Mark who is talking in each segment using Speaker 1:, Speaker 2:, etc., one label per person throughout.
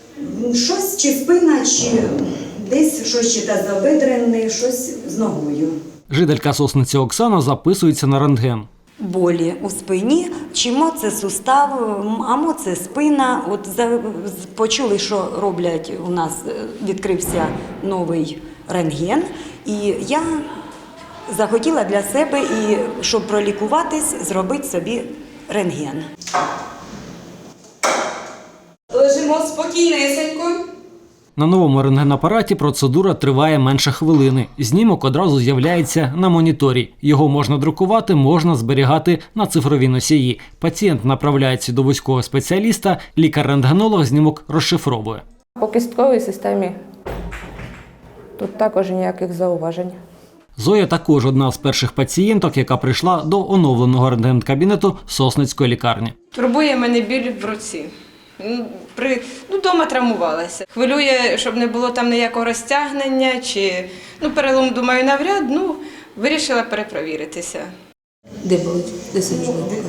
Speaker 1: Щось чи спина, чи десь щось чи тазобедрене, щось з ногою.
Speaker 2: Жителька Сосниці Оксана записується на рентген.
Speaker 1: Болі у спині, чимо це сустав, амо це спина. От почули, що роблять, у нас відкрився новий рентген, і я захотіла для себе, і щоб пролікуватись, зробити собі рентген.
Speaker 3: Лежимо спокійнесенько.
Speaker 2: На новому рентгенапараті процедура триває менше хвилини. Знімок одразу з'являється на моніторі. Його можна друкувати, можна зберігати на цифровій носії. Пацієнт направляється до вузького спеціаліста, лікар-рентгенолог знімок розшифровує.
Speaker 4: По кістковій системі тут також ніяких зауважень.
Speaker 2: Зоя також одна з перших пацієнток, яка прийшла до оновленого рентген-кабінету Сосницької лікарні.
Speaker 3: Турбує мене біль в руці. Дома травмувалася. Хвилює, щоб не було там ніякого розтягнення, чи перелом, думаю, навряд, вирішила перепровіритися.
Speaker 5: Де болить? Де сильно болить?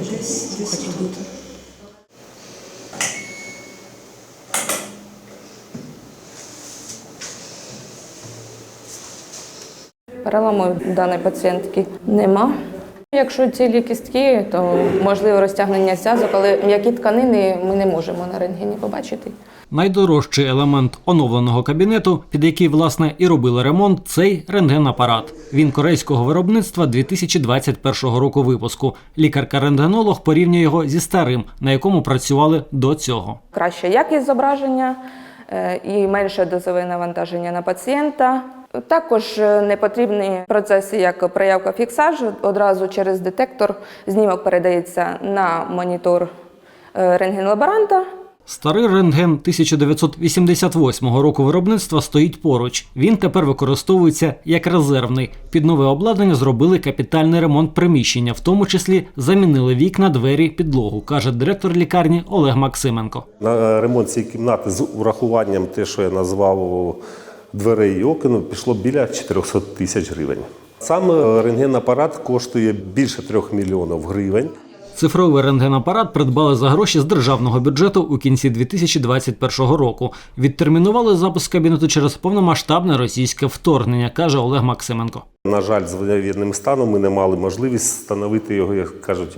Speaker 4: Переламу даної пацієнтки нема. Якщо цілі кістки, то можливо розтягнення зв'язок, але м'які тканини ми не можемо на рентгені побачити.
Speaker 2: Найдорожчий елемент оновленого кабінету, під який, власне, і робили ремонт – цей рентген-апарат. Він корейського виробництва 2021 року випуску. Лікарка-рентгенолог порівнює його зі старим, на якому працювали до цього.
Speaker 4: Краща якість зображення і менше дозове навантаження на пацієнта. Також не потрібні процеси, як проявка-фіксаж. Одразу через детектор знімок передається на монітор рентген-лаборанта.
Speaker 2: Старий рентген 1988 року виробництва стоїть поруч. Він тепер використовується як резервний. Під нове обладнання зробили капітальний ремонт приміщення, в тому числі замінили вікна, двері, підлогу, каже директор лікарні Олег Максименко.
Speaker 6: На ремонт цієї кімнати з урахуванням те, що я назвав дверей і окон, пішло біля 400 тисяч гривень. Сам рентген-апарат коштує більше 3 мільйонів гривень.
Speaker 2: Цифровий рентген-апарат придбали за гроші з державного бюджету у кінці 2021 року. Відтермінували запуск кабінету через повномасштабне російське вторгнення, каже Олег Максименко.
Speaker 6: На жаль, з воєнним станом ми не мали можливість встановити його, як кажуть,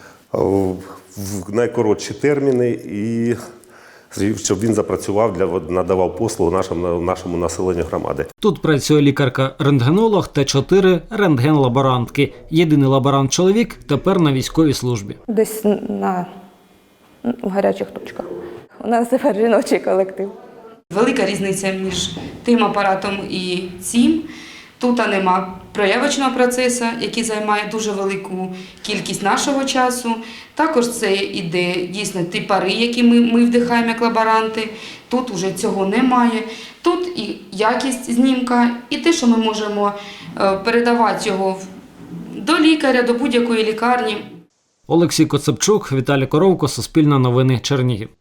Speaker 6: в найкоротші терміни і щоб він запрацював, надавав послугу нашому населенню громади.
Speaker 2: Тут працює лікарка-рентгенолог та 4 рентген-лаборантки. Єдиний лаборант-чоловік тепер на військовій службі.
Speaker 4: Десь в гарячих точках. У нас тепер жіночий колектив.
Speaker 7: Велика різниця між тим апаратом і цим. Тут нема проявочного процесу, який займає дуже велику кількість нашого часу. Також це іде дійсно ті пари, які ми вдихаємо як лаборанти. Тут вже цього немає. Тут і якість знімка, і те, що ми можемо передавати його до лікаря, до будь-якої лікарні.
Speaker 2: Олексій Коцепчук, Віталій Коровко, Суспільне новини, Чернігів.